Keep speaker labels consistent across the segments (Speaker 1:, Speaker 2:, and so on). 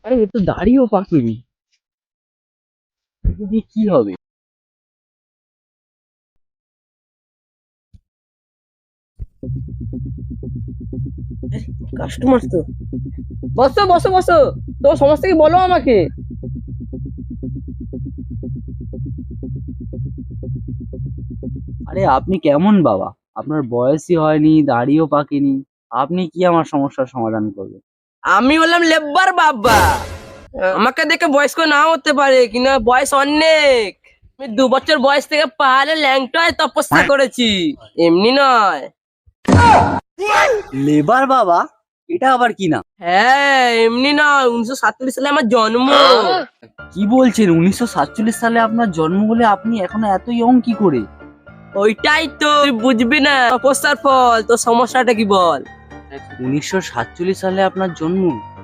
Speaker 1: আরে এ তো দাড়িও পাকেনি, একে দিয়ে কি হবে? কাস্টমার তো। বসো বসো বসো, তোমার সমস্যা কি বলো আমাকে।
Speaker 2: আরে আপনি কেমন বাবা? আপনার বয়সই হয়নি, দাড়িও পাকেনি, আপনি কি আমার সমস্যার সমাধান করবেন?
Speaker 1: আমি বললাম লেব্বার বাবা, আমাকে দেখে বয়স্ক নাও হতে পারে কিনা, বয়স অনেক। আমি 2 বছর বয়স থেকে পাহাড়ে ল্যাংটায় তপস্যা করেছি, এমনি নয়।
Speaker 2: লেবার বাবা? এটা আবার কি না?
Speaker 1: হ্যাঁ এমনি নয়, 1947 সালে আমার জন্ম।
Speaker 2: কি বলছেন? 1947 সালে আপনার জন্ম হলে আপনি এখনো এত ইয়ং কি করে?
Speaker 1: ওইটাই তো তুই বুঝবি না, তপস্যার ফল। তোর সমস্যাটা কি বল?
Speaker 2: 1947 সালে আপনার জন্ম,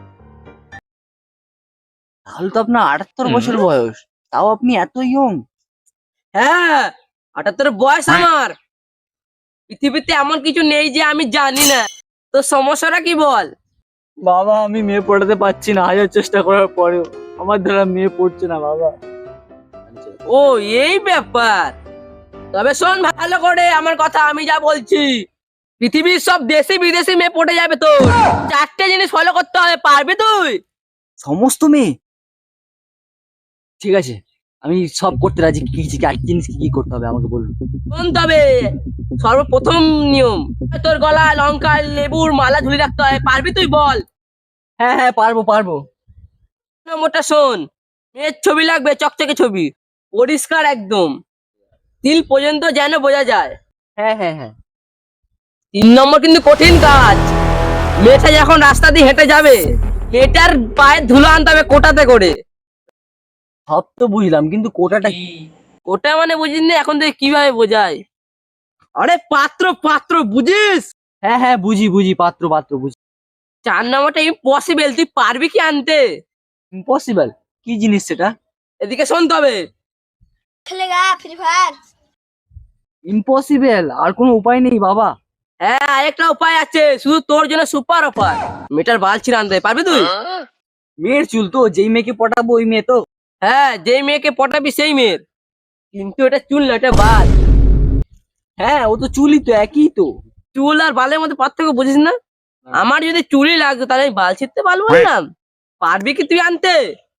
Speaker 2: তাহলে তো আপনার 78 বছর বয়স, তাও আপনি এত ইয়ং।
Speaker 1: হ্যাঁ 78 বয়স আমার। পৃথিবীতে এমন কিছু নেই যে আমি জানি না। তোর সমস্যাটা কি বল?
Speaker 2: বাবা আমি মেয়ে পড়াতে পারছি না, হাজার চেষ্টা করার পরেও আমার দ্বারা মেয়ে পড়ছে না বাবা।
Speaker 1: ও এই ব্যাপার। তবে শোন ভালো করে আমার কথা, আমি যা বলছি। পৃথিবীর সব দেশি বিদেশি মেয়ে পড়ে যাবে তোর। 4টে জিনিস ফলো করতে হবে, পারবি তুই?
Speaker 2: সমস্ত মেয়ে? ঠিক আছে, আমি সব করতে রাজি। আর কি জিনিস কি কি করতে হবে আমাকে বলুন।
Speaker 1: শোন তবে, সর্বপ্রথম নিয়ম, তোর গলায় লঙ্কা লেবুর মালা ঝুলিয়ে রাখতে হয়, পারবি তুই বল?
Speaker 2: হ্যাঁ হ্যাঁ, পারবো পারবো।
Speaker 1: নম্বরটা শোন, মেয়ের ছবি লাগবে, চকচকে ছবি, পরিষ্কার একদম, তিল পর্যন্ত যেন বোঝা যায়।
Speaker 2: হ্যাঁ হ্যাঁ হ্যাঁ।
Speaker 1: 3 নম্বর কিন্তু কঠিন কাজ, মেয়েটা যখন রাস্তা দিয়ে হেঁটে যাবে, মেয়েটার পায়ে ধুলো আনতে হবে কোটাতে করে।
Speaker 2: সব তো বুঝলাম, কিন্তু কোটাটা কি?
Speaker 1: কোটা মানে বুঝিস না? এখন থেকে কিভাবে বোঝায়? আরে পাত্র পাত্র, বুঝিস?
Speaker 2: হ্যাঁ হ্যাঁ, বুঝি বুঝি, পাত্র পাত্র বুঝি।
Speaker 1: 4 নম্বরটা ইম্পসিবল, তুই পারবি কি আনতে?
Speaker 2: ইম্পসিবল? কি জিনিস সেটা?
Speaker 1: এদিকে শোন তবে।
Speaker 3: खेलेगा फ्री फायर।
Speaker 2: ইম্পসিবল? আর কোনো উপায় নেই বাবা?
Speaker 1: হ্যাঁ আরেকটা উপায় আছে, শুধু তোর জন্য সুপার অফার। মেয়েটার বাল ছিঁড়ে আনতে পারবি তুই?
Speaker 2: মেয়ের চুল তো, যেই মেয়েকে পটাবো ওই মেয়ে তো?
Speaker 1: হ্যাঁ যেই মেয়েকে পটাবি সেই মেয়ের, কিন্তু এটা চুল না, এটা বাল।
Speaker 2: হ্যাঁ ও তো চুলই তো, একই তো।
Speaker 1: চুল আর বালের মধ্যে পার্থক্য বুঝিস না? আমার যদি চুলই লাগতো তাহলে আমি বাল ছিঁড়তে পারবো না। পারবি কি তুই আনতে?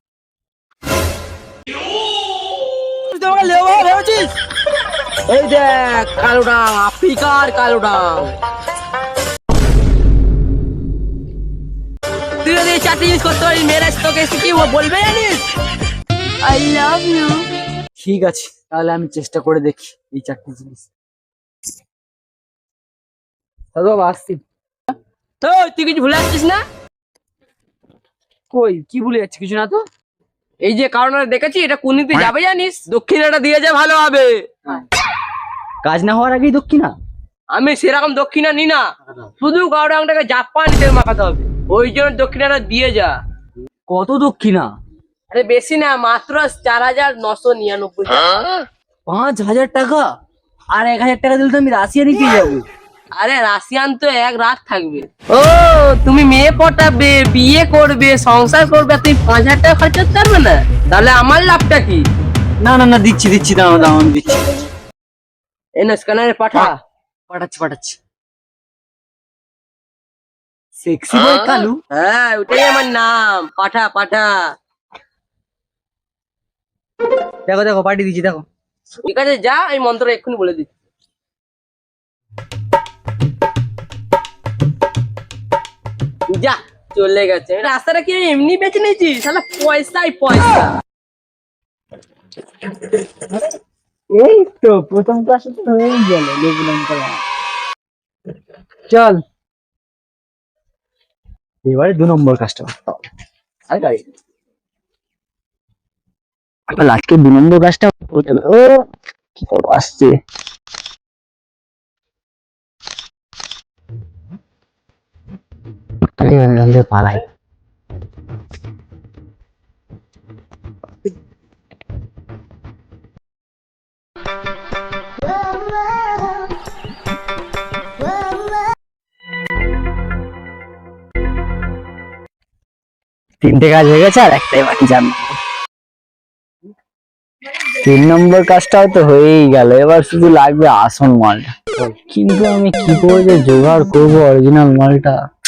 Speaker 1: তুই তো আমাকে লেবা ভেবেছিস? এই দেখ কালো ডাং, আফ্রিকার কালো ডাং। তুই যদি এই 4টে জিনিস করতে পারিস, মেয়েরা তোকে এসে কি বলবে জানিস? I love you.
Speaker 2: ঠিক আছে, তাহলে আমি চেষ্টা করে দেখি এই 4টে জিনিস। দাদা বাবা, আসছি।
Speaker 1: তো তুই কিছু ভুলে যাচ্ছিস না?
Speaker 2: কই কি ভুলে যাচ্ছি? কিছু না তো।
Speaker 1: এই যে কারণটা দেখেছি, এটা কোন দিকে যাবে জানিস? দক্ষিণাটা দিয়ে যা, ভালো হবে।
Speaker 2: কাজ না হওয়ার আগেই দক্ষিণা?
Speaker 1: আমি সেরকম দক্ষিণা নি না, শুধু কাউরাংটাকে জাপান তেল মাখাতে হবে, ওই জন্য দক্ষিণাটা দিয়ে যা।
Speaker 2: কত দক্ষিণা?
Speaker 1: আরে বেশি না, মাত্র 4,999 টাকা।
Speaker 2: 5,000 টাকা? আর 1,000 টাকা দিলে তো আমি রাশিয়ানই পেয়ে যাবো।
Speaker 1: আরে রাশিয়ান তো 1 রাত থাকবে। ও তুমি মেয়ে পটাবে, বিয়ে করবে, সংসার করবে, তুমি 5,000 টাকা খরচ করতে পারবে না? তাহলে আমার লাভটা কি?
Speaker 2: না না না, দিচ্ছি দিচ্ছি, দাঁড়াও দাঁড়াও, আমি দিচ্ছি।
Speaker 1: এই না স্ক্যানারে পাঠা।
Speaker 2: পাঠাচ্ছি পাঠাচ্ছি। Sexy boy Kalu?
Speaker 1: হ্যাঁ ওটাই আমার নাম, পাঠা পাঠা।
Speaker 2: দেখো দেখো, পাঠিয়ে দিচ্ছি দেখো।
Speaker 1: ঠিক আছে যা, এই মন্ত্রটা এক্ষুনি বলে দিচ্ছি। যা, চলে গেছে। রাস্তাটা কি আমি এমনি বেছে নিয়েছি? শালা পয়সাই পয়সা।
Speaker 2: এই তো প্রথম ক্লাসে তো হয়েই গেল লেবু লঙ্কা। চল এবারে 2 নম্বর কাস্টমার। আর গাড়ি আজকে 2 নম্বর কাজটা হয়ে যাবে। ও কি করবো, আসছে। পালাই। তিনটে কাজ হয়ে গেছে আর একটাই বাকি, জান। 3 নম্বর কাজটাও তো হয়েই গেল, এবার শুধু লাগবে আসল মালটা। কিন্তু আমি কি করে যে জোগাড় করবো অরিজিনাল মালটা?